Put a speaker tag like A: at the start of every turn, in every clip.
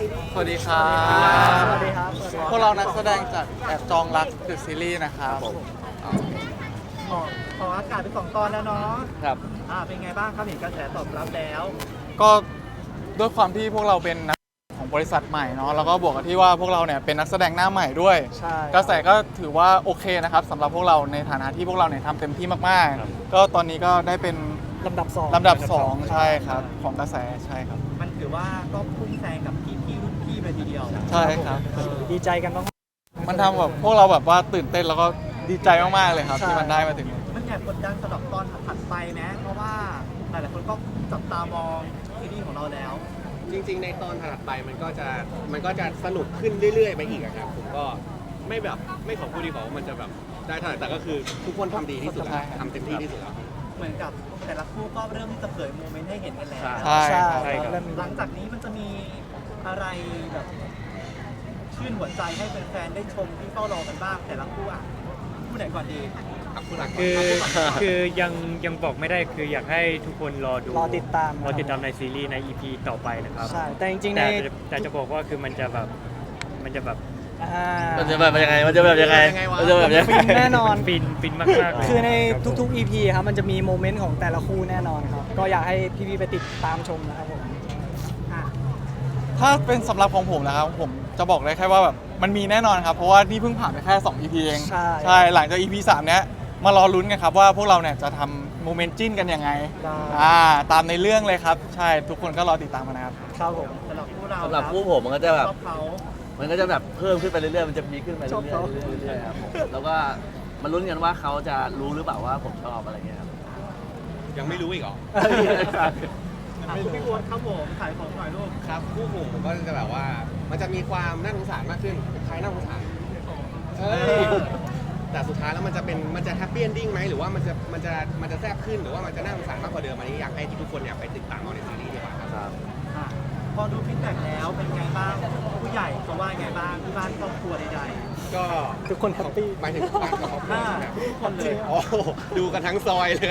A: ซีรีส์
B: สวัสดีครับ
A: สวัสดีครับ
B: พวกเรานักแสดงจากแอบจองรักเดอะซีรีส์นะครับ
A: ขออากาศเป็น2 ตอนแล้วเนาะ
C: ครับ
A: เป็นไงบ้างครับเห็นกระแสตอบรับแล้ว
B: ก็ด้วยความที่พวกเราเป็นนักของบริษัทใหม่เนาะแล้วก็บวกกับที่ว่าพวกเราเนี่ยเป็นนักแสดงหน้าใหม่ด้วย
A: ใช่
B: กระแสก็ถือว่าโอเคนะครับสำหรับพวกเราในฐานะที่พวกเราเนี่ยทำเต็มที่มาก
C: ครับ
B: ๆ ก็ตอนนี้ก็ได้เป็น
A: ลำดับ2
B: ลำดับ 2 ใช่ครับของกระแสใช่ครับ
A: มันถือว่าก็พุ่งแซงกับพี่รุ่นพี่เลยทีเดียว
B: ใช่ครับ
A: ดีใจกันมาก
B: มันทำแบบพวกเราแบบว่าตื่นเต้นแล้วก็ดีใจมากๆเลยครับ
A: ใช่
B: ที่มันได้มาถึง
A: มันแอบกดดันสำหรับตอนถัดไปไหมเพราะว่าหลายๆคนก็จับตามองซีรีส์ของเราแล้ว
D: จริงๆ ในตอนถัดไปมันก็จะสนุกขึ้นเรื่อยๆ ไปอีกอะครับ ผมก็ไม่ขอพูดดีกว่าว่ามันจะแบบได้เท่าไหร่แต่ก็คือทุกคนทำดีที่สุดแล้วทำเต็มที่ที่สุดแล้ว
A: เหมือนกับแต่ละคู่ก็เริ่มที่จะเผยโมเมนต์ให้เห็นกันแล้ว
B: ใช่ครับ
C: ใช่ครับ
A: หลังจากนี้มันจะมีอะไรแบบชื่นหัวใจให้แฟนๆได้ชมที่เฝ้ารอกันบ้างแต่ละคู่คู่ไหนก่อนดี
C: คือยังบอกไม่ได้คืออยากให้ทุกคนรอดู
E: รอติดตาม
C: รอติดตามในซีรีส์ใน EP ต่อไปนะครับ
E: ใช่ แต่จริงๆใน
C: แต่จะบอกว่าคือมันจะแบบ
E: มัน
F: จะแบบยังไง มันจะแบบยังไง มันจะแบบยังไง
E: ฟินแน่นอน
C: ฟินมากๆเลย
E: คือใน
C: รับผม
E: ทุกๆ EP ครับมันจะมีโมเมนต์ของแต่ละคู่แน่นอนครับ ก็อยากให้พี่ๆไปติดตามชมนะครับผม
A: อ่ะ
B: ถ้าเป็นสำหรับของผมนะครับผมจะบอกได้แค่ว่าแบบมันมีแน่นอนครับเพราะว่านี่เพิ่งผ่านไปแค่2 EP เอง
E: ใช่
B: หลังจาก EP 3 เนี้ยมารอลุ้นกันครับว่าพวกเราเนี่ยจะทำโมเมนต์จิ้นกันยังไง
E: ได้
B: ตามในเรื่องเลยครับใช่ทุกคนก็รอติดตามกันนะครับ
E: ครับผม
A: สำหรับคู่เรา
F: สำหรับคู่ผมมันก็จะแบบ
A: ชอบเขา
F: มันก็จะแบบเพิ่มขึ้นไปเรื่อยๆ มันจะพีคขึ้นไปเรื่อยๆเรื่อยๆครับผมแล้วก็มาลุ้นกันว่าเขาจะรู้หรือเปล่าว่าผมชอบอะไรเงี้ยครับ
D: ยังไม่รู้อีกเหรอ
A: คู่พี่โบ๊ทครับผมขายของหน่อยลูก
D: ครับคู่ผมก็จะแบบว่า มันจะมีความน่าสงสารมากขึ้นใครน่าสงสารแต่สุดท้ายแล้วมันจะแฮปปี้เอนดิ้งไหมหรือว่ามันจะแซ่บขึ้นหรือว่ามันจะน่าสงสารมากกว่าเดิมอันนี้อยากให้ทุกคนเนี่ยไปติดตามเอาในซีรีส์ดีกว่าครับ
A: อ่ะพอดูฟีดแบ็กแล้วเป็นไงบ้างผู้ใหญ่เขาว่าไงบ้างที่บ้านครอบครัวใด
D: ก็
E: ทุกคนแฮปปี้
D: หมายถึงบ้านกับครอบครัวใช่ไหม
A: ทุกคนเลย
D: โอ้โหดูกันทั้งซอยเลย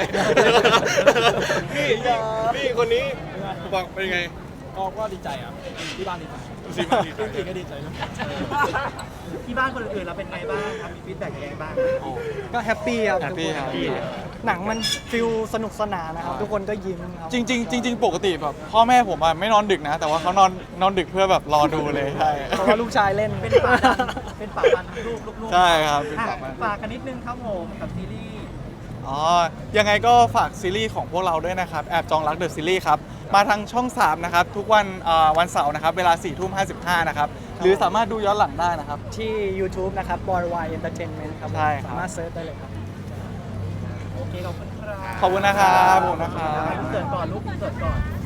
D: นี่คนนี้บอกเป็นไง
A: ก็ดีใจอ่ะที่บ้านดีใจ
D: ซีมาดีใจ
A: จริงก็ดีใจนะที่บ้านคนอื่นๆเราเป็นไงบ้างครับมีฟีดแบ็กยังไงบ้าง
E: ก็แฮปปี้ครับ
B: แฮปปี้ครับ
E: หนังมันฟิลสนุกสนานนะครับ ทุกคนก็ยิ้มครับ
B: จริงๆปกติแบบพ่อแม่ผมอะไม่นอนดึกนะ แต่ว่าเขานอนดึกเพื่อแบบรอดูเลยใช่
E: เพราะว่าลูกชายเล่น
A: เป็นป่าดันเป็นป่าดันทั้งลูกๆ
B: ใช่ครับเป็น
A: อ่ะ
B: ป่าดัน
A: ฝากกันนิดนึงครับผมกับซีรีส์
B: ยังไงก็ฝากซีรีส์ของพวกเราด้วยนะครับแอบจองรักเดอะซีรีส์ครับมาทางช่อง 3 นะครับ ทุกวันเสาร์นะครับเวลา 4:55 นะครับหรือสามารถดูย้อนหลังได้นะครับ
E: ที่ YouTube นะครับ Boy Y Entertainment ครับผม
B: ใช่ครับ
E: สามารถเซิร์ชได้เลยครับ
A: โอเคขอบคุณครับ
B: ขอบคุณนะครับขอบคุณนะครับ
A: อินเสิร์ตก่อนลูกอินเสิร์ตก่อน